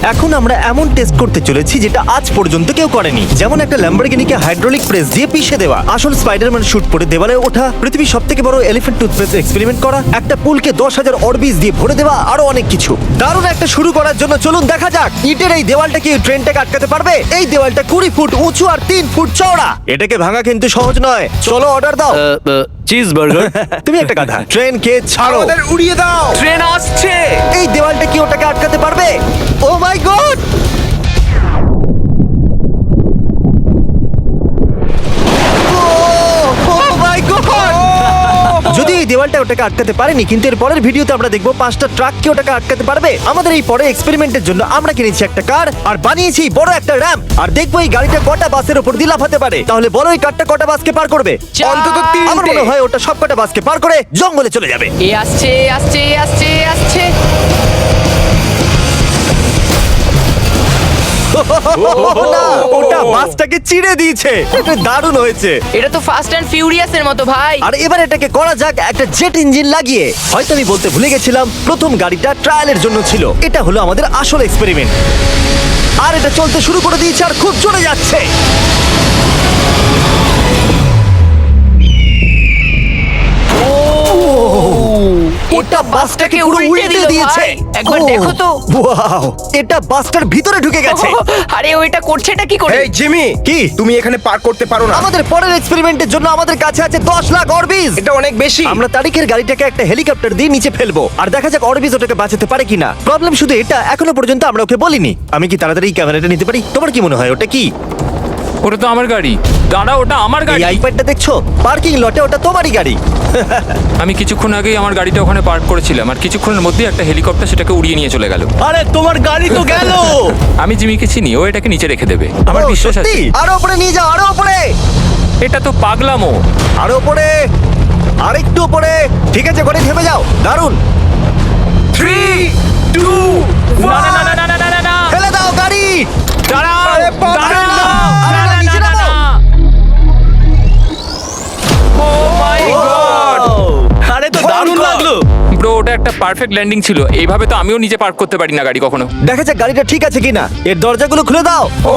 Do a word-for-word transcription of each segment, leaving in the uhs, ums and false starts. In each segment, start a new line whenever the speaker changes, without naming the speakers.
এখন আমরা এমন টেস্ট করতে চলেছি যেটা আজ পর্যন্ত কেউ করেনি, যেমন একটা ল্যাম্বরগিনিকে হাইড্রোলিক প্রেস দিয়ে পিষে দেওয়া, আসল স্পাইডারম্যান শুট পরে দেওয়ালে ওঠা, পৃথিবীর সবথেকে বড় এলিফ্যান্ট টুথপেস্ট এক্সপেরিমেন্ট করা, একটা পুলকে দশ হাজার অরবিজ দিয়ে ভরে দেওয়া, আরো অনেক কিছু। দারুণ একটা শুরু করার জন্য চলুন দেখা যাক ইটের এই দেওয়ালটা কি ট্রেনটাকে আটকাতে পারবে। এই দেওয়ালটা কুড়ি ফুট উঁচু আর তিন ফুট চওড়া। এটাকে ভাঙা কিন্তু সহজ নয়। চলো অর্ডার দাও।
Cheese burger.
তুমি একটা গাধা। ট্রেনকে ছাড়ো,
আমাদের উড়িয়ে দাও।
ট্রেন আসছে।
এই দেওয়ালটা কি ওটাকে আটকাতে পারবে? Oh my God! যদি এই দেওয়ালটা ওটাকে আটকাতে পারেনি, কিন্তু এর পরের ভিডিওতে আমরা দেখবো পাঁচটা ট্রাক কি ওটাকে আটকাতে পারবে। আমাদের এই পরের এক্সপেরিমেন্টের জন্য আমরা কিনেছি একটা কার আর বানিয়েছি বড় একটা র্যাম্প, আর দেখবো এই গাড়িটা কটা বাসের উপর দিয়ে লাফাতে পারে। তাহলে বলো এই কারটা কটা বাসকে পার করবে?
অন্তত
আমার
তিনটে।
মনে হয় ওটা সব কটা বাসকে পার করে জঙ্গলে চলে যাবে।
এ আসছে আসছে আসছে আসছে।
না, ওটা বাসটাকে চিড়ে দিয়েছে। এটা দারুণ হয়েছে।
এটা তো ফাস্ট অ্যান্ড ফিউরিয়াস এর মতো ভাই।
আর এবার এটাকে করা যাক একটা জেট ইঞ্জিন লাগিয়ে। হয়তো আমি বলতে ভুলে গেছিলাম, প্রথম গাড়িটা ট্রায়ালের জন্য ছিল। এটা হলো আমাদের আসল এক্সপেরিমেন্ট। আর এটা চলতে শুরু করে দিয়েছে আর খুব চলে যাচ্ছে।
ওটা বাসটাকে
পুরো
উল্টে দিল
দিয়েছে।
ভাই। একবার
ও,
দেখো তো।
ওয়াও, এটা বাসটার ভিতরে ঢুকে গেছে।
আরে ওইটা করছেটা কি করে?
এই জিমি,
কি?
তুমি এখানে পার্ক করতে পারো না।
আমাদের পরের এক্সপেরিমেন্টের জন্য আমাদের কাছে আছে দশ লাখ অরবিজ।
এটা অনেক বেশি।
আমরা তারিখের গাড়িটাকে একটা হেলিকপ্টার দিয়ে নিচে ফেলবো আর দেখা যাক অরবিজ ওটাকে বাঁচাতে পারে কিনা। প্রবলেম শুধু এটা, এখনো পর্যন্ত আমরা ওকে বলিনি। আমি কি তাড়াতাড়ি এই ক্যামেরাটা নিতে পারি? তোমার কি মনে হয় ওটা কি?
ওটা তো আমার গাড়ি। দাঁড়া, ওটা আমার
এই
গাড়ি।
আইপ্যাডটা দেখছো? পার্কিং লটে ওটা তোমারই গাড়ি।
আমি কিছুক্ষণ আগেই আমার গাড়িটা ওখানে পার্ক করেছিলাম, আর কিছুক্ষণের মধ্যেই একটা হেলিকপ্টার সেটাকে উড়িয়ে নিয়ে চলে গেল।
আরে তোমার গাড়ি তো গেল।
আমি জিমিকে চিনি, ও এটাকে নিচে রেখে দেবে, আমার
ও,
বিশ্বাস আছে।
সত্যি? আরো উপরে নিয়ে যাও, আরো উপরে,
এটা তো পাগলামো।
আরো উপরে, আরেকটু উপরে। ঠিক আছে, ঘরে থেমে যাও। দারুণ।
থ্রি টু
না না না না না না না না।
ফেলে দাও গাড়ি।
দাঁড়াও,
আরে বাবা,
দাঁড়াও।
আরে
না,
না,
না,
নিচে
না,
নামো।
না। Oh my God!
আরে তো দারুণ লাগলো।
ব্রো, ওটা একটা পারফেক্ট ল্যান্ডিং ছিল। এইভাবে তো আমিও নিজে পার্ক করতে পারি না গাড়ি কখনো।
দেখা যাক গাড়িটা ঠিক আছে কিনা। এর দরজাগুলো খুলে দাও।
Oh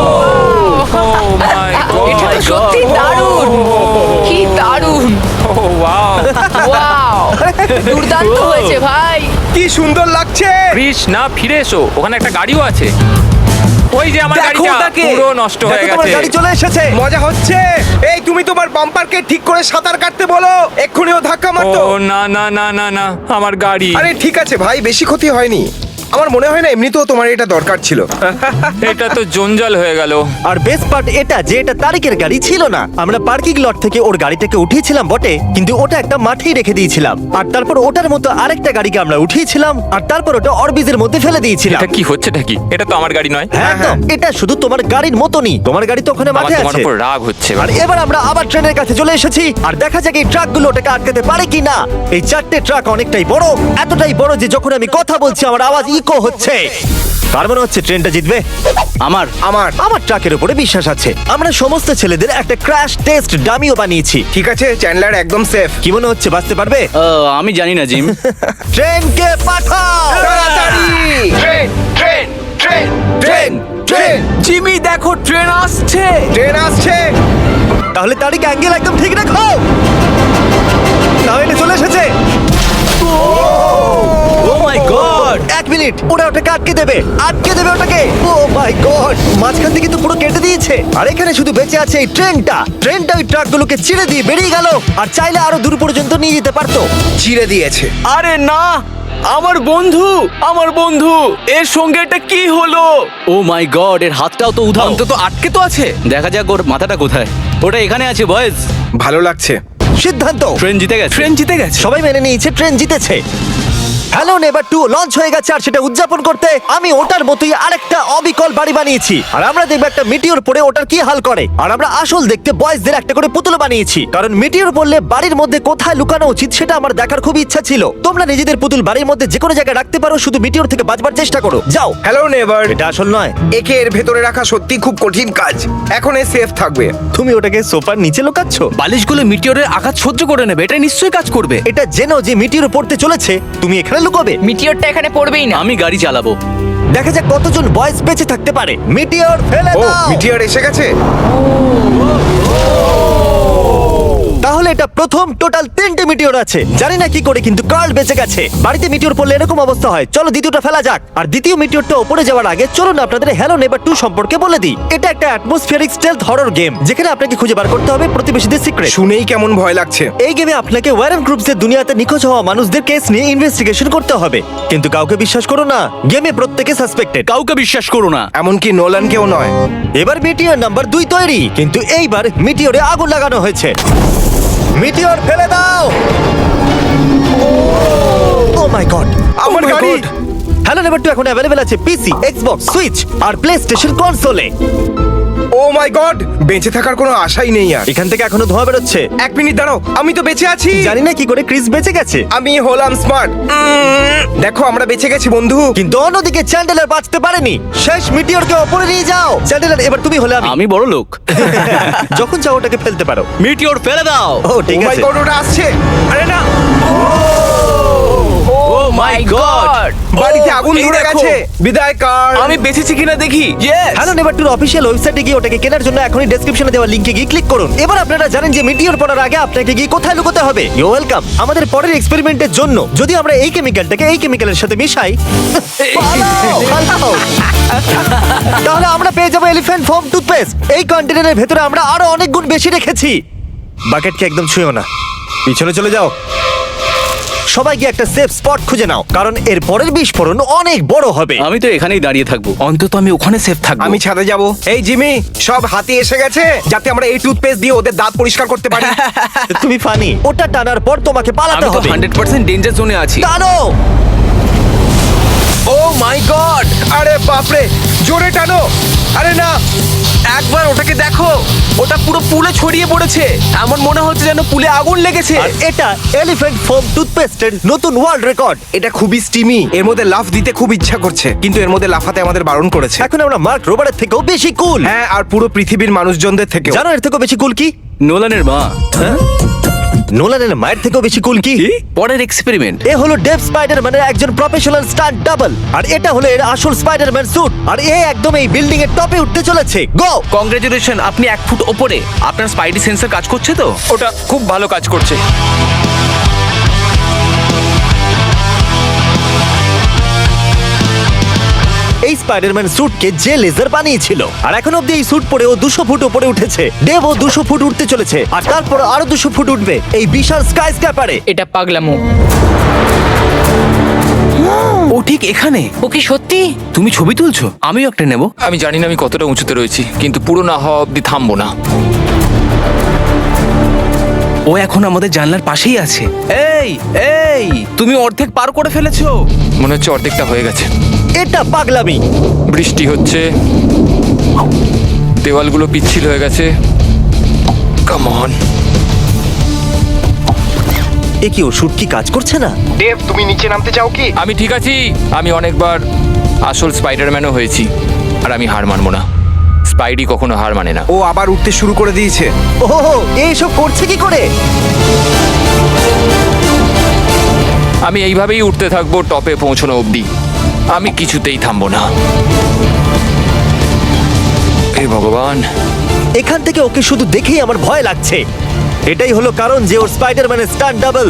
my God!
এটা তো সত্যি দারুণ। কি দারুণ।
Oh wow!
ওয়াও, দুর্দান্ত হয়েছে ভাই।
কি সুন্দর লাগছে।
কৃষ, না, ফিরে এসো, ওখানে একটা গাড়িও আছে। ওই যে আমার
দেখো
গাড়িটা
ওটাকে।
পুরো নষ্ট হয়ে
দেখো তোমার
গেছে।
গাড়ি চলে এসেছে।
মজা হচ্ছে। এই তুমি তোমার বাম্পারকে ঠিক করে সাঁতার কাটতে বলো, এক্ষুনি ও ধাক্কা
ও
মারতো।
না না না না না, আমার গাড়ি।
আরে ঠিক আছে ভাই, বেশি ক্ষতি হয়নি। আমার মনে হয় না এমনিতেও তোমার এটা দরকার ছিল।
এটা তো জঞ্জাল হয়ে গেল।
আর বেস্ট পার্ট এটা যে এটা তারিকের গাড়ি ছিল না। আমরা পার্কিং লট থেকে ওর গাড়িটাকে উঠিয়েছিলাম বটে, কিন্তু ওটা একটা মাঠেই রেখে দিয়েছিলাম। আর তারপর ওটার মতো আরেকটা গাড়িকে আমরা উঠিয়েছিলাম, আর তারপর ওটা অরবিজের মধ্যে ফেলে দিয়েছিলাম।
এটা কি হচ্ছেটা কি? এটা তো আমার গাড়ি নয়।
হ্যাঁ, একদম। এটা শুধু তোমার গাড়ির মতনই। তোমার গাড়ি তো ওখানে
আমার
মাঠে
তোমার
আছে।
উপর রাগ হচ্ছে।
আর এবার আমরা আবার ট্রেনের কাছে চলে এসেছি, আর দেখা যাক এই ট্রাকগুলো ওটাকে আটকাতে পারে কিনা। এই চারটে ট্রাক অনেকটাই বড়, এতটাই বড় যে যখন আমি কথা বলছি আমার আওয়াজ ইকো হচ্ছে। তার মনে হচ্ছে ট্রেনটা জিতবে।
আমার আমার
আমার ট্রাকের উপরে বিশ্বাস আছে। আমরা সমস্ত ছেলেদের একটা ক্র্যাশ টেস্ট ডামিও বানিয়েছি।
ঠিক আছে, চ্যান্ডলার একদম সেফ।
কি মনে হচ্ছে, বাঁচতে পারবে?
আমি জানি না জিম।
ট্রেনকে পাঠাও।
তাড়াতাড়ি। Train train train train train
Jimmy দেখো, ট্রেন আসছে।
ট্রেন আসছে।
তাহলে তারিখ অ্যাঙ্গেল একদম ঠিক রাখো। তাহলে চলে এসেছে। ও মাই গড! এক মিনিট, ওরা ওটাকে আটকে দেবে, আটকে দেবে ওটাকে। Oh my God! মাঝখান থেকে তো পুরো কেটে দিয়েছে। আর এখানে শুধু বেঁচে আছে এই ট্রেনটা। ট্রেনটা ওই ট্রাকগুলোকে চিড়ে দিয়ে বেরিয়ে গেল, আর চাইলে আরো দূর পর্যন্ত নিয়ে যেতে পারতো।
চিড়ে দিয়েছে।
আরে না, আমার বন্ধু, আমার বন্ধু, এর সঙ্গে এটা কি হলো? ও মাই গড, এর হাতটাও তো উধাও। অন্তত আটকে তো আছে। দেখা যাক ওর মাথাটা কোথায়। ওটা এখানে আছে বয়েজ।
ভালো লাগছে।
সিদ্ধান্ত,
ট্রেন জিতে গেছে। ট্রেন জিতে গেছে।
সবাই মেনে নিয়েছে ট্রেন জিতেছে। হ্যালো নেভার টু লঞ্চ হয়ে গেছে, আর সেটা উদযাপন করতে আমি ওটার মতোই আরেকটা অবিকল বাড়ি বানিয়েছি। আর আমরা দেখবো একটা মিটিওর পড়ে ওটার কি হাল করে। আর আমরা আসল দেখতে বয়েজদের একটা করে পুতুল বানিয়েছি, কারণ মিটিওর পড়লে বাড়ির মধ্যে কোথায় লুকানো উচিত সেটা আমার দেখার খুব ইচ্ছা ছিল। তোমরা নিজেদের পুতুল বাড়ির মধ্যে যে কোনো জায়গায় রাখতে পারো, শুধু মিটিওর থেকে বাঁচবার চেষ্টা করো। যাও।
Hello Neighbor.
এটা আসল নয়।
একে এর ভেতরে রাখা সত্যি খুব কঠিন কাজ। এখন এ সেফ থাকবে।
তুমি ওটাকে সোফার নিচে লুকাচ্ছ।
বালিশগুলো মিটিওরের আঘাত সহ্য করে নেবে, এটা নিশ্চয়ই কাজ করবে।
এটা জেনো যে মিটিওর পড়তে চলেছে, তুমি এখানে লুকোবে।
মিটিওরটা এখানে পড়বেই না।
আমি গাড়ি চালাবো।
দেখা যাক কতজন বয়েজ বেঁচে থাকতে পারে। মিটিওর ফেলে
ও
দাও।
মিটিয়ার এসে গেছে।
তাহলে এটা প্রথম টোটাল তিনটে মিটিওর আছে। জানি না কি করে কিন্তু কার্ল বেঁচে গেছে। বাড়িতে মিটিওর পড়লে এরকম অবস্থা হয়। চলো দ্বিতীয়টা ফেলা যাক। আর দ্বিতীয় মিটিওরটা উপরে যাওয়ার আগে চলুন আপনাদের হ্যালো নেভার টু সম্পর্কে বলে দিই। এটা একটা অ্যাটমসফিয়ারিক স্টেলথ হরর গেম যেখানে আপনাকে খুঁজে বার করতে হবে প্রতিবেশীদের সিক্রেট।
শুনেই কেমন ভয় লাগছে।
এই গেমে আপনাকে ওয়ারেন গ্রুপসের দুনিয়াতে নিখোঁজ হওয়া মানুষদের কেস নিয়ে ইনভেস্টিগেশন করতে হবে। কিন্তু কাউকে বিশ্বাস করো না, গেমে প্রত্যেকে সাসপেক্টেড।
কাউকে বিশ্বাস করো না।
এমনকি নোলানকেও নয়।
এবার মিটিওর নাম্বার দুই তৈরি, কিন্তু এইবার মিটিওরে আগুন লাগানো হয়েছে। মিটিওর ফেলে দাও। ও মাই গড,
আমার গাড়ি।
হ্যালো নেভার টু এখন অ্যাভেলেবেল আছে পিসি, এক্সবক্স, সুইচ আর প্লে স্টেশন কনসোলে।
ও মাই গড, বেঁচে থাকার কোনো আশাই নেই আর।
এখান থেকে এখনো ধোঁয়া বেরোচ্ছে।
এক মিনিট দাঁড়াও, আমি তো বেঁচে আছি।
জানি না কি করে ক্রিস বেঁচে গেছে,
আমি হলাম স্মার্ট। দেখো আমরা বেঁচে গেছি বন্ধু।
কিন্তু অন্যদিকে চ্যান্ডেলার বাঁচতে পারেনি। শেষ মিটিওরকে ওপরে নিয়ে যাও। চ্যান্ডেলার এবার তুমি হলে আমি।
আমি বড় লোক।
যখন চাও ওটাকে ফেলতে পারো।
মিটিওর ফেলে দাও।
ও ঠিক
ও মাই
আছে।
গড, ওটা আসছে। আরে না,
ও মাই গড,
বাড়িতে আগুন ধরে গেছে। বিদায় কার।
আমি বেঁচেছি কিনা দেখি। ইয়েস।
হ্যালো নেভার টুর অফিসিয়াল ওয়েবসাইটে গিয়ে ওটাকে কেনার জন্য এখনই ডেসক্রিপশনে দেওয়া লিংকে গিয়ে ক্লিক করুন। এবার আপনারা জানেন যে মিটিওর পড়ার আগে আপনাকে গিয়ে কোথায় লুকোতে হবে। You welcome. আমাদের পরের এক্সপেরিমেন্টের জন্য যদি আমরা এই কেমিক্যালটাকে এই কেমিক্যালের সাথে মিশাই, পালাও, পালাও। তাহলে আমরা পেয়ে যাবো এলিফ্যান্ট ফোম টুথপেস্ট। এই কন্টেনারের ভেতরে আমরা আরো অনেক গুণ বেশি রেখেছি। বাকেটকে একদম ছুঁয়ো না, পিছনে চলে যাও। সবাই গিয়ে একটা সেফ স্পট খুঁজে নাও, কারণ এর পরের বিস্ফোরণ অনেক বড় হবে।
আমি তো এখানেই দাঁড়িয়ে থাকবো, অন্তত আমি ওখানে সেফ থাকবো।
আমি ছাদে যাব। এই জিমি, সব হাতি এসে গেছে যাতে আমরা এই টুথপেস্ট দিয়ে ওদের দাঁত পরিষ্কার করতে পারি।
তুমি ফানি। ওটা টানার পর তোমাকে পালাতে
আমি তো
হবে।
হান্ড্রেড পার্সেন্ট ডেঞ্জার জোনে আছি।
টানো।
ও মাই গড, আরে বাপরে, জোরে টানো। আরে না,
একবার ওটাকে দেখো, ওটা পুরো পুলে ছড়িয়ে পড়েছে। এমন মনে হচ্ছে যেন পুলে আগুন লেগেছে।
আর এটা এলিফ্যান্ট ফোম টুথপেস্টের নতুন ওয়ার্ল্ড রেকর্ড।
এটা খুবই স্টিমি। এর মধ্যে লাফ দিতে খুব ইচ্ছা করছে, কিন্তু এর মধ্যে লাফাতে আমাদের বারণ করেছে।
এখন আমরা মার্ক রোবারের থেকেও বেশি কুল।
হ্যাঁ, আর পুরো পৃথিবীর মানুষজনদের থেকে।
জানো এর থেকেও বেশি কুল কি?
নোলানের মা।
হ্যাঁ? নোলানের মায়ের থেকেও বেশি কুল কি?
পরের এক্সপেরিমেন্ট।
এ হলো ডেভ স্পাইডারম্যানের একজন প্রফেশনাল স্টান্ট ডাবল, আর এটা হলো এর আসল স্পাইডারম্যান স্যুট। আর এ একদম এই বিল্ডিং এর টপে উঠতে চলেছে। গো!
কংগ্রেচুলেশন, আপনি এক ফুট ওপরে। আপনার স্পাইডি সেন্সর কাজ করছে তো?
ওটা খুব ভালো কাজ করছে।
এই স্পাইডারম্যান স্যুটকে যে লেজার বানিয়েছিল, আর এখন অব্দি এই স্যুট পরে ও দুশো ফুট উপরে উঠেছে। ডেভ ও দুশো ফুট উঠতে চলেছে, আর তারপর আরো দুশো ফুট উঠবে এই বিশাল স্কাই স্ক্যাপারে।
এটা পাগলামো।
ও ঠিক এখানে।
ও কি সত্যি?
তুমি ছবি তুলছো? আমিও একটা নেব।
আমি জানি না আমি কতটা উঁচুতে রয়েছি, কিন্তু পুরো না হওয়া অব্দি থামবো না।
ও এখন আমাদের জানলার পাশেই আছে। এই এই, তুমি অর্ধেক পার করে ফেলেছো।
মনে হচ্ছে অর্ধেকটা হয়ে গেছে।
এটা পাগলামি।
বৃষ্টি হচ্ছে, দেওয়ালগুলো পিচ্ছিল হয়ে গেছে। Come on.
এ কি ওষুধ কি কাজ করছে না?
ডেভ, তুমি নিচে নামতে চাও কি?
আমি ঠিক আছি। আমি অনেকবার আসল স্পাইডারম্যানও হয়েছি, আর আমি হার মানবো না। স্পাইডি কখনো হার মানে না।
ও আবার উঠতে শুরু করে দিয়েছে।
ওহো, এইসব করছে কি করে?
আমি এইভাবেই উঠতে থাকবো টপে পৌঁছানো অবধি। আমি কিছুতেই থামবো না। হে ভগবান।
এখান থেকে ওকে শুধু দেখেই আমার ভয় লাগছে। এটাই হলো কারণ যে ওর স্পাইডারম্যানের স্টান্ট ডাবল।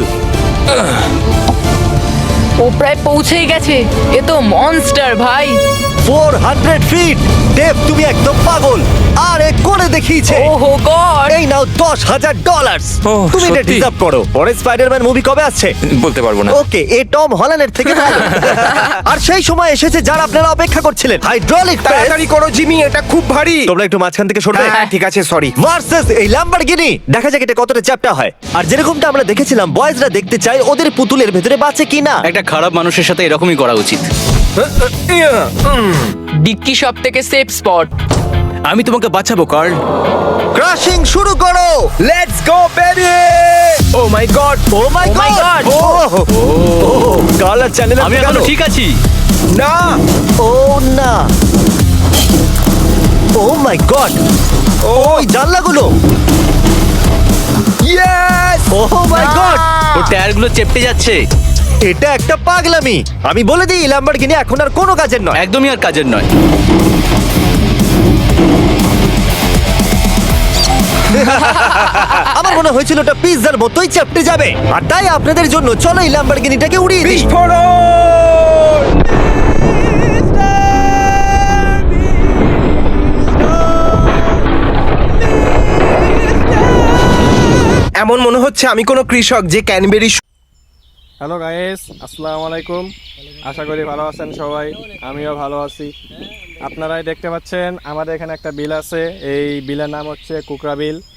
ও প্রায় পৌঁছেই গেছে। এ তো মনস্টার ভাই।
Four hundred feet. ডেভ, তুমি একদম পাগল। আর এ করে দেখিয়েছে।
ওহো গড।
এই নাও দশ হাজার ডলার।
ওহ,
তুমি এটা
সত্যি?
ডিজার্ভ করো। পরে স্পাইডারম্যান মুভি কবে আসছে?
বলতে পারবো না।
ওকে, এ টম হল্যান্ডের থেকে ভালো। আর সেই সময় এসেছে যারা আপনারা অপেক্ষা করছিলেন। Hydraulic press.
তাড়াতাড়ি করো জিমি, এটা খুব ভারী।
তোমরা একটু মাঝখান থেকে সরবে।
হ্যাঁ ঠিক আছে, সরি।
ভার্সেস এই ল্যাম্বরগিনি। দেখা যাক এটা কতটা চ্যাপ্টা হয়। আর যেরকমটা আমরা দেখেছিলাম, বয়েজরা দেখতে চায় ওদের পুতুলের ভেতরে বাঁচে কিনা।
একটা খারাপ মানুষের সাথে এরকমই করা উচিত।
ডিক্কি সব থেকে সেফ স্পট।
আমি তোমাকে বাঁচাবো কার্ল।
ক্রাশিং শুরু করো।
Let's go baby. Oh my God,
oh my
Oh my
God.
God!
Oh colour channel
আমি এখনো ঠিক আছি।
না।
ও না। Oh my God. ওই জানলাগুলো।
ইয়েস।
O my god.
ওর টায়ারগুলো চেপটে যাচ্ছে।
এটা একটা পাগলামি। আমি বলে দিই ল্যাম্বরগিনি এখন আর কোনো কাজের নয়।
একদমই আর কাজের নয়।
আমার মনে হয়েছিল ওটা পিৎজার মতোই চেপটে যাবে, আর তাই আপনাদের জন্য চলো এই ল্যাম্বরগিনিটাকে উড়িয়ে দিই।
এমন মনে হচ্ছে আমি কোনো কৃষক যে ক্যানবেরি
হ্যালো গাইস, আসসালামু আলাইকুম। আশা করি ভালো আছেন সবাই, আমিও ভালো আছি। আপনারাই দেখতে পাচ্ছেন আমাদের এখানে একটা বিল আছে, এই বিলের নাম হচ্ছে কুকরা বিল।